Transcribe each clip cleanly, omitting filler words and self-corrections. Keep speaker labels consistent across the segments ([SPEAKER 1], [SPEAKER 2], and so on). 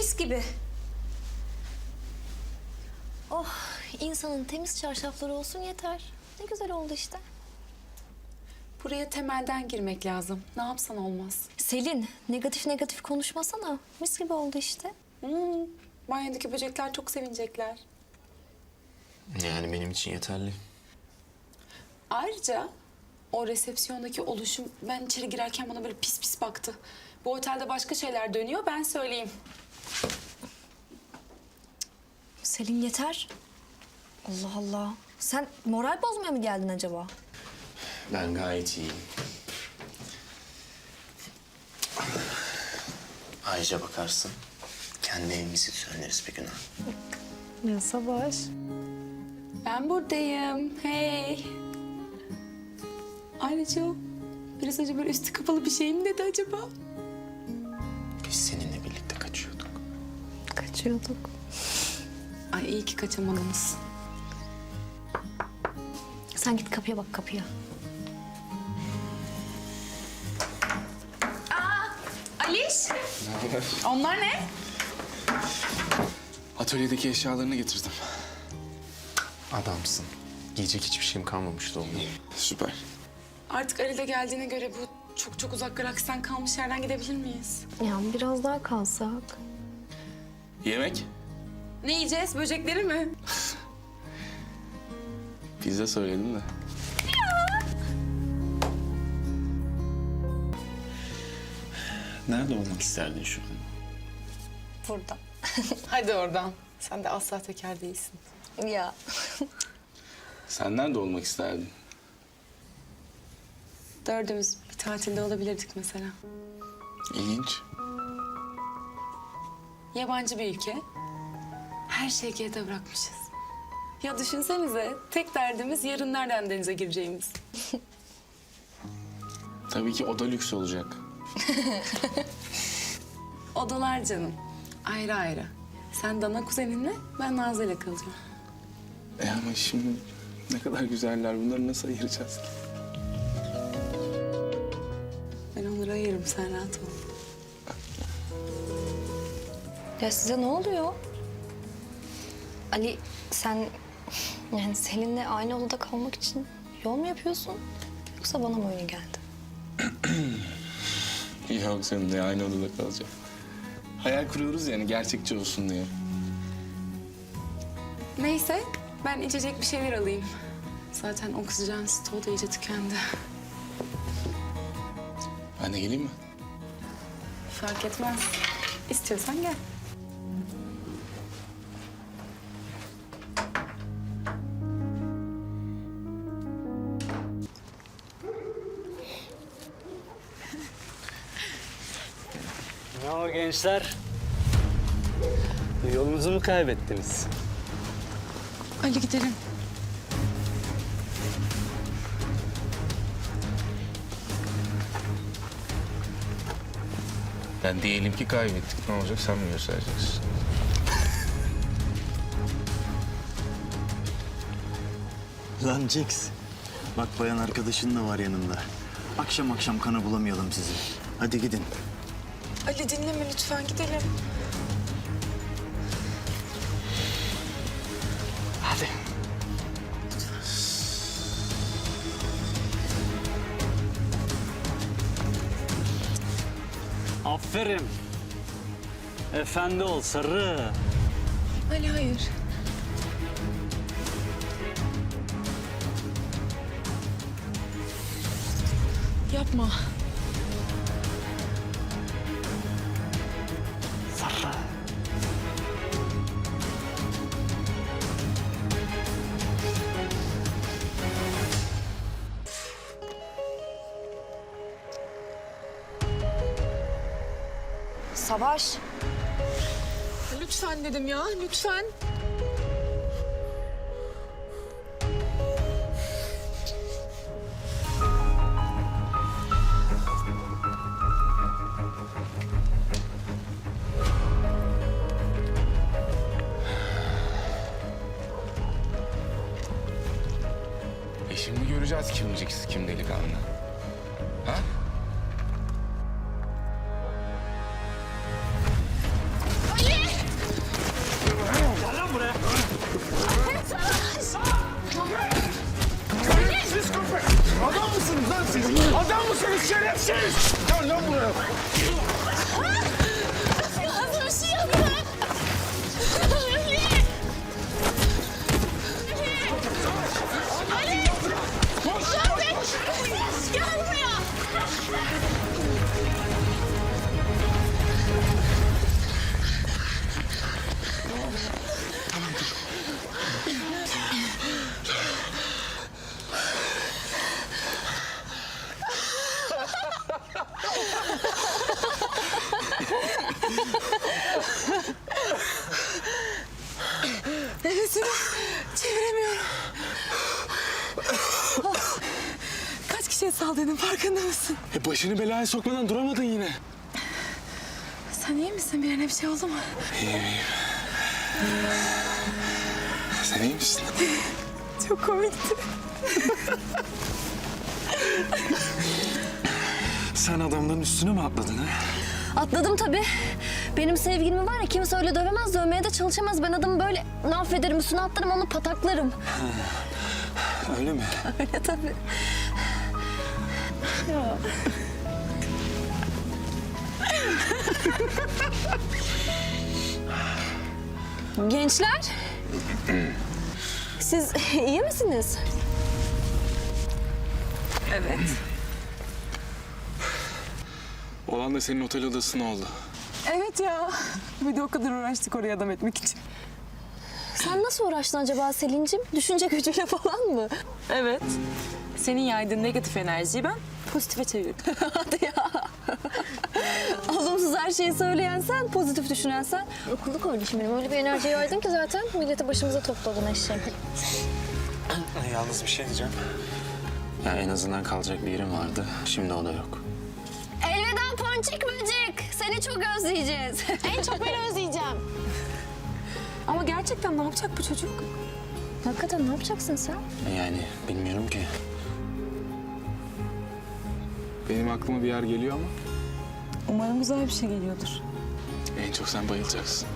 [SPEAKER 1] mis gibi. Oh, insanın temiz çarşafları olsun yeter. Ne güzel oldu işte.
[SPEAKER 2] Buraya temelden girmek lazım. Ne yapsan olmaz.
[SPEAKER 1] Selin, negatif negatif konuşmasana. Mis gibi oldu işte.
[SPEAKER 2] Banyodaki böcekler çok sevinecekler.
[SPEAKER 3] Yani benim için yeterli.
[SPEAKER 2] Ayrıca o resepsiyondaki oluşum ben içeri girerken bana böyle pis pis baktı. Bu otelde başka şeyler dönüyor, ben söyleyeyim.
[SPEAKER 1] Selin yeter. Allah Allah. Sen moral bozmaya mı geldin acaba?
[SPEAKER 3] Ben gayet iyiyim. Ayrıca bakarsın, kendi evimizi söyleriz bir gün.
[SPEAKER 1] Ya Savaş.
[SPEAKER 2] Ben buradayım. Hey. Ayrıca o biraz önce böyle üstü kapalı bir şey mi dedi acaba?
[SPEAKER 3] Biz seninle birlikte kaçıyorduk.
[SPEAKER 1] Kaçıyorduk.
[SPEAKER 2] Ay iyi ki kaçamadınız.
[SPEAKER 1] Sen git kapıya bak kapıya.
[SPEAKER 2] Aliş. Onlar ne?
[SPEAKER 4] Atölyedeki eşyalarını getirdim.
[SPEAKER 3] Adamsın. Giyecek hiçbir şeyim kalmamıştı oğlum.
[SPEAKER 4] Süper.
[SPEAKER 2] Artık Ali de geldiğine göre bu çok uzak galaksiden kalmış yerden gidebilir miyiz?
[SPEAKER 1] Ya biraz daha kalsak.
[SPEAKER 4] Yemek?
[SPEAKER 2] Ne yiyeceğiz? Böcekleri mi?
[SPEAKER 4] Pizza söyledim de.
[SPEAKER 3] Nerede olmak isterdin şu an?
[SPEAKER 1] Burada.
[SPEAKER 2] Hadi oradan. Sen de asla teker değilsin.
[SPEAKER 1] Ya.
[SPEAKER 4] Sen nerede olmak isterdin?
[SPEAKER 2] Dördümüz bir tatilde olabilirdik mesela.
[SPEAKER 4] İlginç.
[SPEAKER 2] Yabancı bir ülke. Her şeyi geride bırakmışız. Ya düşünsenize, tek derdimiz yarın nereden denize gireceğimiz.
[SPEAKER 4] Tabii ki oda lüks olacak.
[SPEAKER 2] Odalar canım. Ayrı ayrı. Sen Dana kuzeninle, ben Nazlı'yla kalacağım.
[SPEAKER 4] Ama şimdi ne kadar güzeller. Bunları nasıl ayıracağız ki?
[SPEAKER 2] Ben onları ayırırım, sen rahat ol.
[SPEAKER 1] Ya size ne oluyor? Ali sen yani Selin'le aynı odada kalmak için yol mu yapıyorsun? Yoksa bana mı öyle geldi?
[SPEAKER 4] Yok seninle aynı odada kalacağım. Hayal kuruyoruz yani gerçekçi olsun diye.
[SPEAKER 2] Neyse, ben içecek bir şeyler alayım. Zaten oksijen stoğu da iyice tükendi.
[SPEAKER 4] Ben de geleyim mi?
[SPEAKER 2] Fark etmez. İstiyorsan gel.
[SPEAKER 5] Ne o gençler? Yolunuzu mu kaybettiniz?
[SPEAKER 2] Ali gidelim.
[SPEAKER 3] Ben diyelim ki kaybettik. Ne olacak sen mi göstereceksin?
[SPEAKER 6] Lan Jax, bak bayan arkadaşın da var yanında. Akşam akşam kana bulamayalım sizi. Hadi gidin.
[SPEAKER 2] Ali dinleme lütfen, gidelim.
[SPEAKER 6] Hadi.
[SPEAKER 5] Aferin. Efendi ol sarı.
[SPEAKER 2] Ali hayır. Yapma.
[SPEAKER 5] Sarı.
[SPEAKER 1] Savaş.
[SPEAKER 2] Lütfen dedim ya, lütfen.
[SPEAKER 4] Şimdi göreceğiz kim Jax, kim delikanlı. Ha?
[SPEAKER 2] Ali!
[SPEAKER 4] musunuz şerefsiz? Gel lan buraya.
[SPEAKER 7] Hazır bir şey yapma. Ali! Gel buraya!
[SPEAKER 2] Nefesimi çeviremiyorum. Kaç kişiye saldırdın farkında mısın?
[SPEAKER 4] Başını belaya sokmadan duramadın yine.
[SPEAKER 2] Sen iyi misin? Birine bir şey oldu mu?
[SPEAKER 4] İyiyim. Sen iyi misin?
[SPEAKER 2] Çok komikti.
[SPEAKER 4] Sen adamların üstüne mi atladın ha?
[SPEAKER 1] Atladım tabii. Benim sevgilimi var ya kimse öyle dövemez, dövmeye de çalışamaz. Ben adamı böyle affederim, üstüne atlarım, onu pataklarım.
[SPEAKER 4] Öyle mi?
[SPEAKER 1] Öyle tabii. Gençler, siz iyi misiniz?
[SPEAKER 2] Evet.
[SPEAKER 4] Olan da senin otel odasına oldu.
[SPEAKER 2] Evet ya. Bir de o kadar uğraştık oraya adam etmek için.
[SPEAKER 1] Sen nasıl uğraştın acaba Selin'cim? Düşünce gücüyle falan mı?
[SPEAKER 2] Evet. Senin yaydığın negatif enerjiyi ben pozitife çevirdim.
[SPEAKER 1] Hadi ya. Olumsuz her şeyi söyleyen sen, pozitif düşünen sen. Okullu kardeşim benim. Öyle bir enerji yaydın ki zaten milleti başımıza topladın eşeğim.
[SPEAKER 3] Yalnız bir şey diyeceğim. Ya en azından kalacak bir yerim vardı. Şimdi o da yok.
[SPEAKER 1] Elveda ponçik böcek. Seni çok özleyeceğiz.
[SPEAKER 7] En çok ben özleyeceğim.
[SPEAKER 2] Ama gerçekten ne yapacak bu çocuk?
[SPEAKER 1] Hakikaten ne yapacaksın sen?
[SPEAKER 3] Yani bilmiyorum ki.
[SPEAKER 4] Benim aklıma bir yer geliyor ama
[SPEAKER 2] Umarım güzel bir şey geliyordur.
[SPEAKER 4] en çok sen bayılacaksın.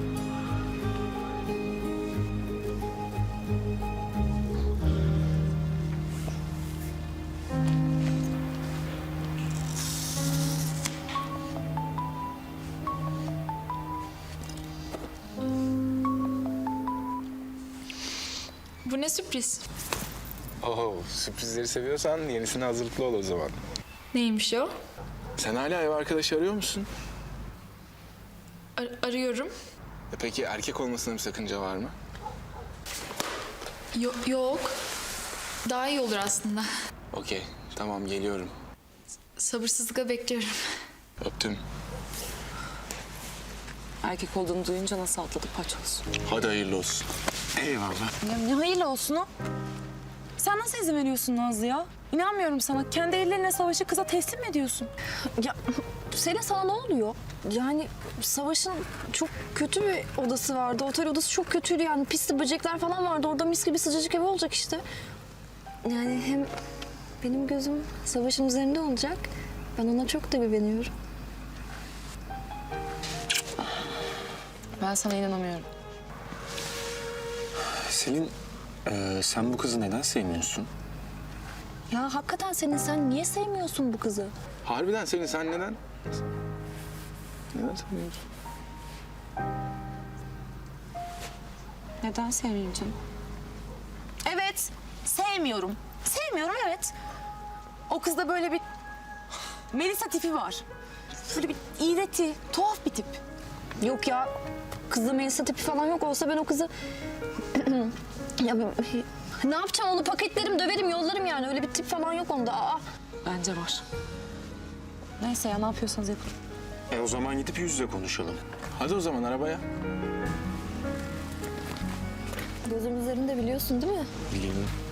[SPEAKER 7] Bu ne sürpriz?
[SPEAKER 4] Oo, sürprizleri seviyorsan yenisine hazırlıklı ol o zaman.
[SPEAKER 7] Neymiş o?
[SPEAKER 4] Sen hala ev arkadaşı arıyor musun?
[SPEAKER 7] Arıyorum.
[SPEAKER 4] Peki erkek olmasına bir sakınca var mı?
[SPEAKER 7] Yok. Daha iyi olur aslında.
[SPEAKER 4] Okey, tamam geliyorum.
[SPEAKER 7] Sabırsızlıkla bekliyorum.
[SPEAKER 4] Öptüm.
[SPEAKER 2] Erkek olduğunu duyunca nasıl atladı paçoz.
[SPEAKER 4] Hadi hayırlı olsun.
[SPEAKER 6] Eyvallah.
[SPEAKER 2] Ya ne hayırlı olsun o? Sen nasıl izin veriyorsun Nazlı ya? İnanmıyorum sana. Kendi ellerine savaşı kıza teslim mi ediyorsun?
[SPEAKER 1] Ya Selin sana ne oluyor? Yani Savaş'ın çok kötü bir odası vardı. Otel odası çok kötüydü yani. Pisli böcekler falan vardı. Orada mis gibi sıcacık ev olacak işte. Yani hem benim gözüm Savaş'ın üzerinde olacak. Ben ona çok da güveniyorum.
[SPEAKER 2] Ben sana inanamıyorum.
[SPEAKER 3] Selin, sen bu kızı neden sevmiyorsun?
[SPEAKER 1] Ya hakikaten Selin sen niye sevmiyorsun bu kızı?
[SPEAKER 4] Harbiden Selin sen neden? Neden sevmiyorsun?
[SPEAKER 2] Neden sevmeyeyim canım? Evet, sevmiyorum. Sevmiyorum evet. O kızda böyle bir Melisa tipi var. Böyle bir iğreti, tuhaf bir tip.
[SPEAKER 1] Yok ya kızda Melisa tipi falan yok. Olsa ben o kızı... ya ne yapacağım onu paketlerim, döverim, yollarım yani. Öyle bir tip falan yok onda. Aa.
[SPEAKER 2] Bence var. Neyse ya ne yapıyorsanız yapın.
[SPEAKER 3] O zaman gidip yüz yüze konuşalım.
[SPEAKER 4] Hadi o zaman arabaya.
[SPEAKER 1] Gözüm üzerinde biliyorsun değil mi?
[SPEAKER 3] Biliyorum.